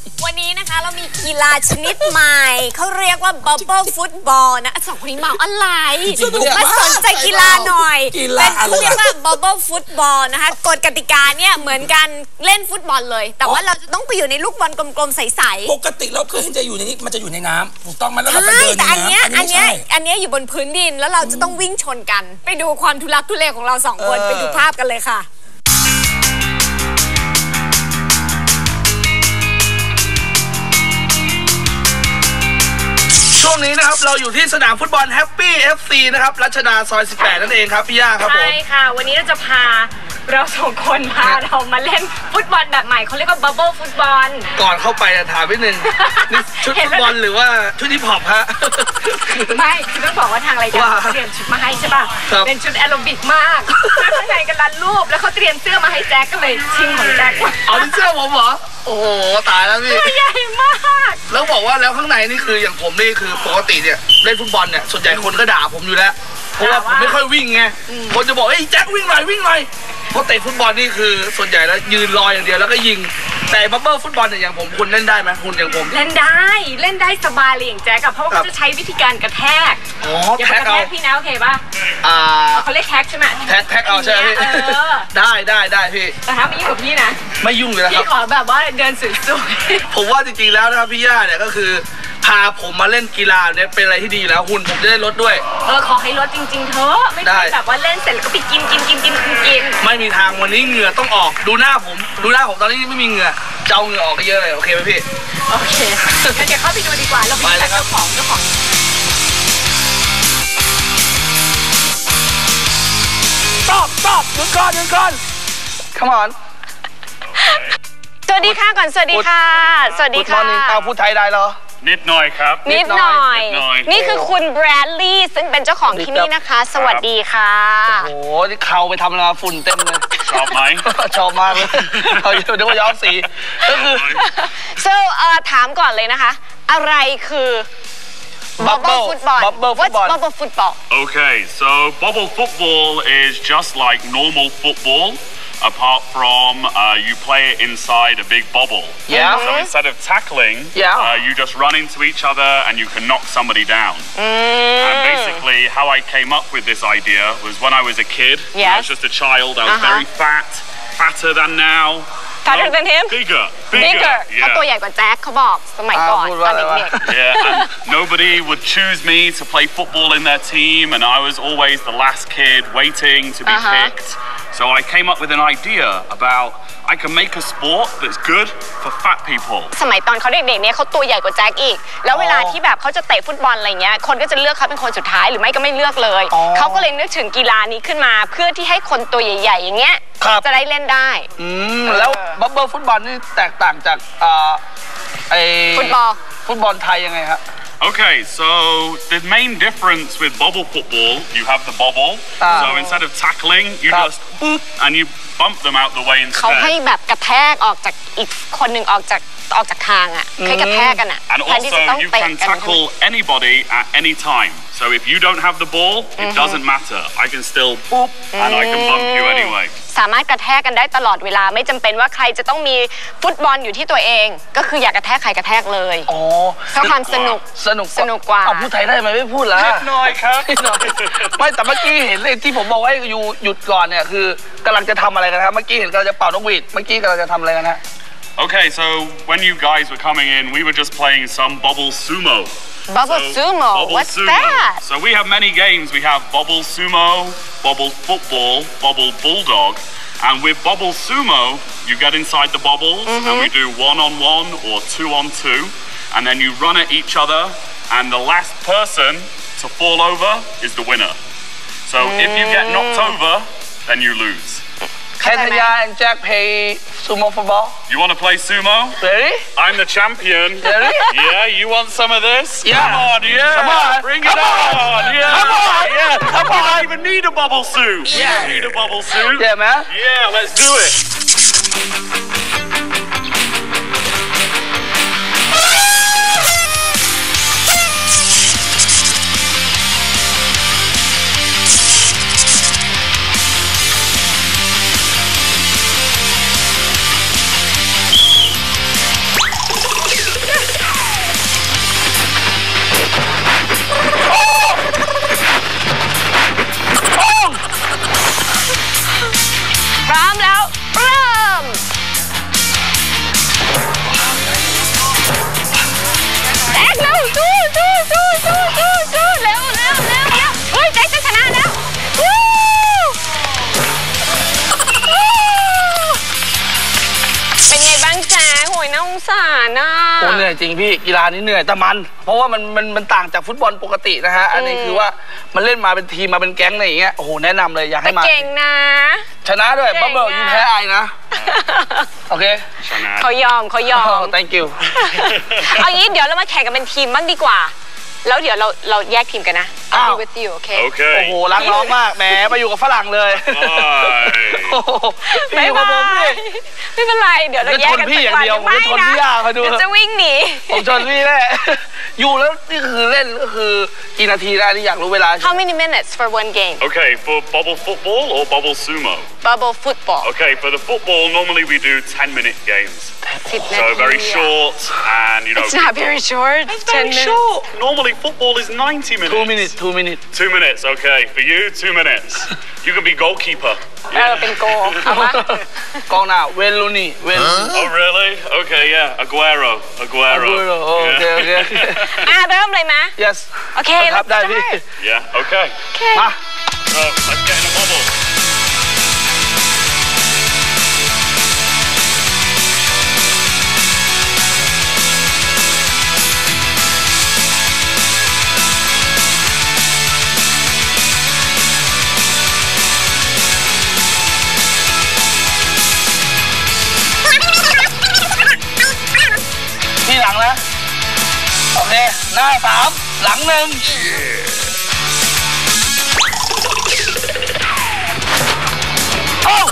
วันนี้นะคะเรามีกีฬาชนิดใหม่เขาเรียกว่า Bubble Football นะสองคนนี้เมาอะไรมาสนใจกีฬาหน่อยเป็นเขาเรียกว่า Bubble Football นะคะกฎกติกาเนี่ยเหมือนกันเล่นฟุตบอลเลยแต่ว่าเราจะต้องไปอยู่ในลูกบอลกลมๆใสๆปกติเราเคยจะอยู่ในนี้มันจะอยู่ในน้ำถูกต้องไหมแล้วเราไปใช่เดินในแต่อันน้ำเนี้ยอยู่บนพื้นดินแล้วเราจะต้องวิ่งชนกันไปดูความทุลักทุเลของเราสองคนไปดูภาพกันเลยค่ะช่วงนี้นะครับเราอยู่ที่สนามฟุตบอล Happy FC นะครับรัชดาซอย 18 นั่นเองครับพี่ย่าครับผมใช่ค่ะวันนี้เราจะพาเราสองคนเรามาเล่นฟุตบอลแบบใหม่เขาเรียกว่า Bubble ฟุตบอลก่อนเข้าไปถามนิดนึงนี่ชุดฟุตบอลหรือว่าชุดฮิปฮอปฮะไม่คือต้องบอกว่าทางรายการเขาเตรียมชุดมาให้ใช่ป่ะเป็นชุดแอโรบิกมากข้างในกันรันรูปแล้วเขาเตรียมเสื้อมาให้แจ็คก็เลยชิงของแจ็คเอาเสื้อผมเหรอโอ้โหตายแล้วพี่ใหญ่มากแล้วบอกว่าแล้วข้างในนี่คืออย่างผมนี่คือปกติเนี่ยเล่นฟุตบอลเนี่ยส่วนใหญ่คนก็ด่าผมอยู่แล้วเพราะว่าผมไม่ค่อยวิ่งไงคนจะบอกเฮ้ยแจ็ควิ่งหน่อยเพราะเตะฟุตบอลนี่คือส่วนใหญ่แล้วยืนรออย่างเดียวแล้วก็ยิงแต่บับเบิ้ลฟุตบอลเนี่ยอย่างผมคุณเล่นได้ไหมคุณอย่างผมเล่นได้สบายเลยอย่างแจ๊กเพราะว่าเขาจะใช้วิธีการกระแทกอย่าไปกระแทกพี่นะโอเคป่ะเขาเรียกแท็กใช่ไหมแท็กเอาใช่ไหมพี่ได้พี่แต่ถ้าไม่ยุ่งกับพี่นะไม่ยุ่งเลยครับพี่ขอแบบว่าเดินสวยๆผมว่าจริงๆแล้วนะครับพี่ย่าเนี่ยก็คือพาผมมาเล่นกีฬาเนี่ยเป็นอะไรที่ดีแล้วหุ่นผมจะได้ลดด้วยขอให้ลดจริงๆเถอะไม่ได้แบบว่าเล่นเสร็จแล้วก็ไปกินไม่มีทางวันนี้เหงื่อต้องออกดูหน้าผมตอนนี้ไม่มีเหงื่อเจ้าเหงื่อออกก็เยอะเลยโอเคไหมพี่โอเคงั้นเดี๋ยวเข้าไปดูดีกว่าเราไปเจ้าของ stop หยุดก่อน come on สวัสดีค่ะก่อนสวัสดีค่ะเอาพูดไทยได้เหรอนิดหน่อยครับนิดหน่อยนี่คือคุณแบรดลีย์ซึ่งเป็นเจ้าของที่นี่นะคะสวัสดีค่ะโอ้โหนี่เขาไปทำอะไรฝุ่นเต็มเลยชอบไหมชอบมากเลยเขาเดี๋ยวย้อมสีก็คือ so ถามก่อนเลยนะคะอะไรคือ Bubble Football What's Bubble Football Okay so Bubble Football is just like normal football apart from you play it inside a big bubble. So instead of tackling, you just run into each other and you can knock somebody down. And basically how I came up with this idea was when I was a kid, when I was just a child, I was very fatter than now. Fatter than him? Bigger. เขาตัวใหญ่กว่าแจ็คเขาบอกสมัยก่อนตอนเด็กๆ Yeah, and nobody would choose me to play football in their team and I was always the last kid waiting to be picked. So I came up with an idea about I can make a sport that's good for fat people. สมัยตอนเขาเด็กๆเนี่ยเขาตัวใหญ่กว่าแจ็คอีกแล้วเวลาที่แบบเขาจะเตะฟุตบอลอะไรเงี้ยคนก็จะเลือกเขาเป็นคนสุดท้ายหรือไม่ก็ไม่เลือกเลยเขาก็เลยนึกถึงกีฬานี้ขึ้นมาเพื่อที่ให้คนตัวใหญ่ๆอย่างเงี้ยจะได้เล่นได้แล้วบับเบิ้ลฟุตบอลนี่แตกต่างจากฟุตบอลไทยยังไงครับ Okay, so the main difference with bubble football, you have the bubble. So instead of tackling, you just boop and you bump them out the way instead. เขาให้แบบกระแทกออกจากอีกคนหนึ่งออกจากทางอ่ะให้กระแทกกันอ่ะ And also you can tackle anybody at any time. So if you don't have the ball, it doesn't matter. I can still boop and I can bump you anyway. สามารถกระแทกกันได้ตลอดเวลาไม่จำเป็นว่าใครจะต้องมีฟุตบอลอยู่ที่ตัวเองก็คืออยากกระแทกใครกระแทกเลยเพราะความสนุกกว่าพูดไทยได้ไหมไม่พูดแล้วน้อยครับไม่แต่เมื่อกี้เห็นเลยที่ผมบอกว่าอยู่หยุดก่อนเนี่ยคือกำลังจะทำอะไรกันครับเมื่อกี้เห็นกำลังจะเป่านกหวีดเมื่อกี้กำลังจะทำอะไรกันฮะ Okay, so when you guys were coming in, we were just playing some bubble sumo. Bubble sumo? What's that? So we have many games. We have bubble sumo, bubble football, bubble bulldog. And with bubble sumo, you get inside the bubbles and we do 1-on-1 or 2-on-2. And then you run at each other and the last person to fall over is the winner. So if you get knocked over, then you lose. Can Tanya and Jack play sumo football? You want to play sumo? Really? I'm the champion. Really? Yeah, you want some of this? Yeah. Come on, yeah. Come on. Bring it on. Yeah. Come on. Yeah. Come on. You don't even need a bubble suit. Yeah. You need a bubble suit. Yeah, man. Yeah, let's do it. สารน่ะโอ้เหนื่อยจริงพี่กีฬานี้เหนื่อยแต่มันเพราะว่ามันต่างจากฟุตบอลปกตินะฮะอันนี้คือว่ามันเล่นมาเป็นทีมมาเป็นแก๊งอะไรอย่างเงี้ยโอ้โหแนะนำเลยอยากให้มาเก่งนะชนะด้วยบับเบิ้ลยูแพ้ไอนะโอเคชนะเขายอม thank you เอางี้เดี๋ยวเรามาแข่งกันเป็นทีมบ้างดีกว่าแล้วเดี๋ยวเราแยกทีมกันนะ I'll be with you โอเคโอ้โหรักน้องมากแหมไปอยู่กับฝรั่งเลยไม่เป็นไรไม่เป็นไรเดี๋ยวเราแยกกันพี่อย่างเดียวผมชนพี่ยาเขาดูจะวิ่งหนีผมชนพี่แน่อยู่แล้วนี่คือเล่นก็คือกี่นาทีได้นี่อยากรู้เวลา How many minutes for one game Okay for bubble football or bubble sumo Bubble football Okay for the football normally we do 10-minute games So very short and you know It's not very short It's very short Normally football is 90 minutes 2 minutes 2 minutes 2 minutes okay for you 2 minutes You can be goalkeeper เป็นโกเอาปะกองหน้าเวลูนี่เวลู Oh really Okay yeah Aguero โอเคเริ่มเลยไหม Yes โอเคครับได้พี่ Yeah okay มา So let's get in a bubble ที่หลังนะโอเคหน้า3หลัง1โอ้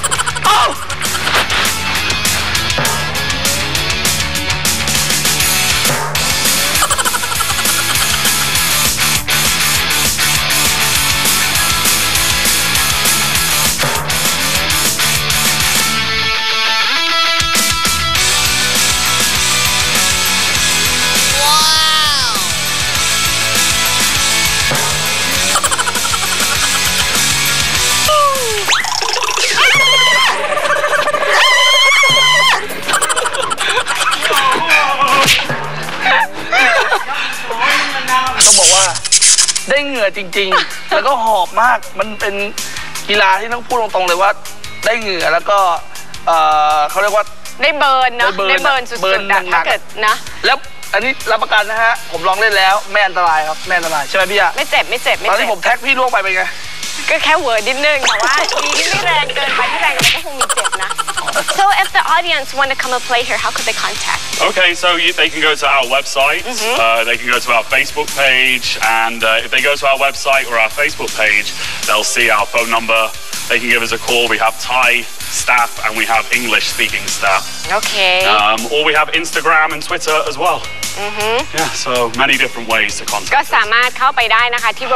ต้องบอกว่าได้เหงื่อจริงๆแล้วก็หอบมากมันเป็นกีฬาที่ต้องพูดตรงๆเลยว่าได้เหงื่อแล้วก็เขาเรียกว่าได้เบิร์นเนาะได้เบิร์นสุดๆถ้าเกิดนะแล้วอันนี้รับประกันนะฮะผมลองเล่นแล้วไม่อันตรายครับไม่อันตรายใช่ไหมพี่อะไม่เจ็บตอนที่ผมแท็กพี่ล่วงไปเป็นไงก็แค่เวิร์ดนิดนึงแต่ว่าดีที่ไม่แรงเกินไปที่แรงเกินก็คงมีเจ็บนะ So if the audience want to come and play here how could they contact Okay so they can go to our website they can go to our Facebook page and if they go to our website or our Facebook page they'll see our phone number they can give us a call we have Thai staff and we have English speaking staff Okay or we have Instagram and Twitter as well Yeah so many different ways to contact ก็สามารถเข้าไปได้นะคะที่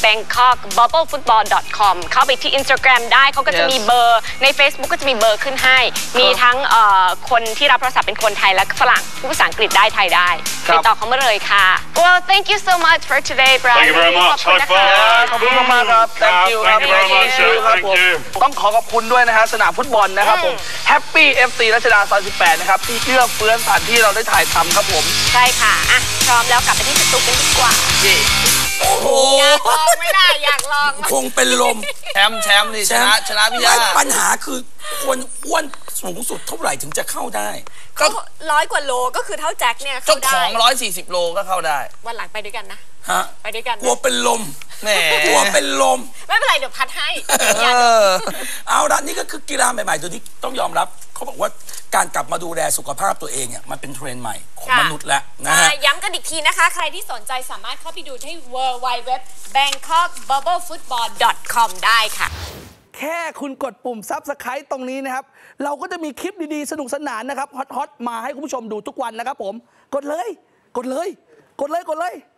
www.bangkokbubblefootball.com เข้าไปที่ Instagram ได้เขาก็จะมีเบอร์ใน Facebook ก็จะมีเบอร์ขึ้นให้มีทั้งคนที่รับโทรศัพท์เป็นคนไทยและฝรั่งผู้ภาษาอังกฤษได้ไทยได้ติดต่อเขามาเลยค่ะ Well thank you so much for today Brian Thank you very much High five ขอบคุณมากครับ Thank you very much Thank you ต้องขอบคุณด้วยนะฮะสนามฟุตบอลนะครับผม Happy FC รัชดาซอย18นะครับที่เอื้อเฟื้อสถานที่เราได้ถ่ายทำครับผมใช่ค่ะอ่ะพร้อมแล้วกลับไปที่สตูกันดีกว่าโอ้โหอยากลองไม่ได้อยากลองคงเป็นลมแชมป์นี่ชนะพี่ยาปัญหาคือคนอ้วนสูงสุดเท่าไหร่ถึงจะเข้าได้ก็100 กว่าโลก็คือเท่าแจ็คเนี่ยเข้าได้เจ้าของ140 โลก็เข้าได้วันหลังไปด้วยกันนะไปด้วยกันกลัวเป็นลมกลัวเป็นลมไม่เป็นไรเดี๋ยวพัดให้เอาละนี่ก็คือกีฬาใหม่ๆตัวนี้ต้องยอมรับเขาบอกว่าการกลับมาดูแลสุขภาพตัวเองเนี่ยมันเป็นเทรนด์ใหม่ของมนุษย์แล้วนะฮะย้ำกันอีกทีนะคะใครที่สนใจสามารถเข้าไปดูที่ www.bangkokbubblefootball.com ได้ค่ะแค่คุณกดปุ่ม Subscribe ตรงนี้นะครับเราก็จะมีคลิปดีๆสนุกสนานนะครับฮอตๆมาให้คุณผู้ชมดูทุกวันนะครับผมกดเลย